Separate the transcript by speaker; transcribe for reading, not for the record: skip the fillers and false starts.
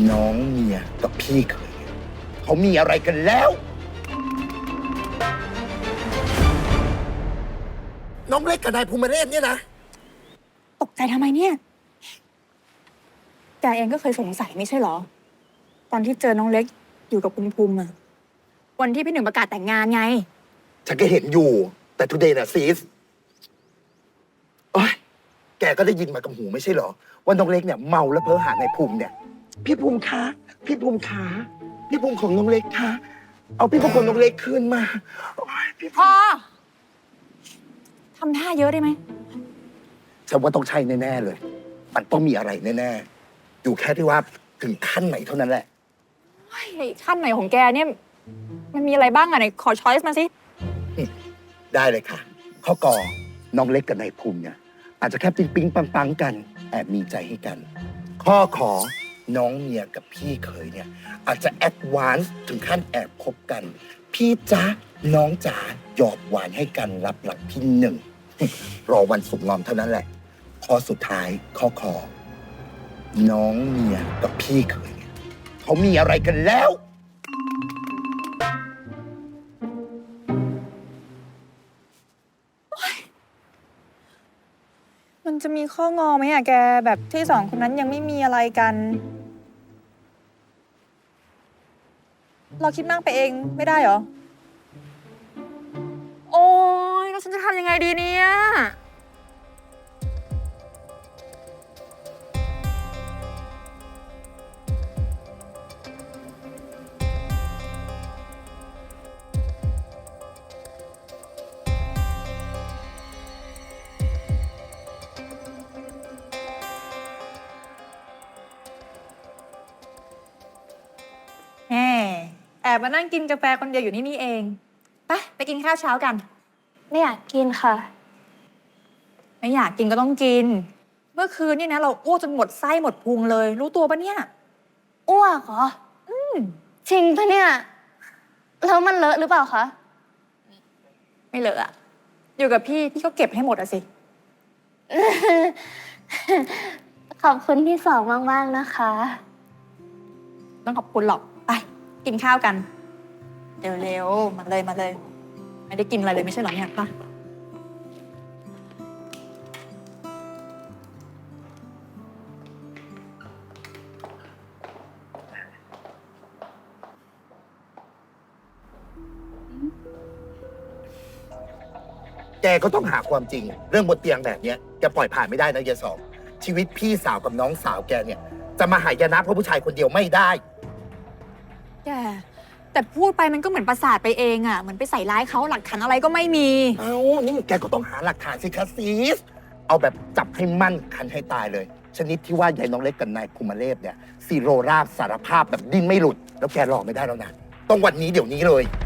Speaker 1: น้องเมียกับพี่เขยเขามีอะไรกันแล้วน้องเล็กกับนายภูมิเรศเนี่ยนะ
Speaker 2: ตกใจทำไมเนี่ยแกเองก็เคยสงสัยไม่ใช่เหรอตอนที่เจอน้องเล็กอยู่กับคุณภูมิอะวันที่พี่หนึ่งประกาศแต่งงานไง
Speaker 1: ฉันก็เห็นอยู่แต่ทุเดย์น่ะซีสโอ้ยแกก็ได้ยินมากับหูไม่ใช่เหรอว่าน้องเล็กเนี่ยเมาแล้วเพ้อหานายภูมิเนี่ยพี่ภูมิคะพี่ภูมิคะพี่ภูมิของน้องเล็กคะเอาพี่ภูมิของน้องเล็กคืนมา
Speaker 2: พอทำท่าเยอะได้ไหม
Speaker 1: ฉันว่าต้องใช่แน่ๆเลยมันต้องมีอะไรแน่ๆอยู่แค่ที่ว่าถึงขั้นไหนเท่านั้นแหละ
Speaker 2: ขั้นไหนของแกเนี่ยมันมีอะไรบ้างอะไหนขอช้อยส์มาสิ
Speaker 1: ได้เลยค่ะข้อกอน้องเล็กกับนายภูมิเนี่ยอาจจะแค่ปิ๊งปิ๊งปังปังกันแอบมีใจให้กันข้อขอน้องเมียกับพี่เขยเนี่ยอาจจะแอดวานซ์ถึงขั้นแอบคบกันพี่จ๊ะน้องจ๋าหยอดหวานให้กันรับหลังที่หนึ่งรอวันสมรสเท่านั้นแหละข้อสุดท้ายข้อขอน้องเมียกับพี่เขยเนี่ยเขามีอะไรกันแล้ว
Speaker 2: มันจะมีข้องอไหมอะแกแบบที่สองคนนั้นยังไม่มีอะไรกันเราคิดมากไปเองไม่ได้เหรอโอ๊ยแล้วฉันจะทำยังไงดีเนี่ยแอบมานั่งกินกาแฟคนเดียวอยู่นี่เองไปกินข้าวเช้ากัน
Speaker 3: ไม่อยากกินค่ะ
Speaker 2: ไม่อยากกินก็ต้องกินเมื่อคืนนี่นะเราอ้วกจนหมดไส้หมดพุงเลยรู้ตัวปะเนี่ย
Speaker 3: อ้วกเหรอจริงปะเนี่ยแล้วมันเลอะหรือเปล่าคะ
Speaker 2: ไม่เลอะอะอยู่กับพี่ก็เก็บให้หมดอะสิ
Speaker 3: ขอบคุณที่สองมากๆนะคะ
Speaker 2: ต้องขอบคุณหรอกไปกินข้าวกันเร็วๆมาเลยไม่ได้กินอะไรเลยไม่ใช่เหรอเนี่ยป่ะ
Speaker 1: แกก็ต้องหาความจริงเรื่องบนเตียงแบบเนี้ยแกปล่อยผ่านไม่ได้นะยายสองชีวิตพี่สาวกับน้องสาวแกเนี่ยจะมาหายนะเพราะผู้ชายคนเดียวไม่ได้
Speaker 2: แกแต่พูดไปมันก็เหมือนประสาทไปเองอะเหมือนไปใส่ร้ายเขาหลักฐานอะไรก็ไม่มี
Speaker 1: เอ้านี่แกก็ต้องหาหลักฐานสิคะซีสเอาแบบจับให้มั่นคันให้ตายเลยชนิดที่ว่ายายน้องเล็กกับนายภูมิเรศเนี่ยซีโรราบสารภาพแบบดิ้นไม่หลุดแล้วแกรอไม่ได้แล้วนะต้องวันนี้เดี๋ยวนี้เลย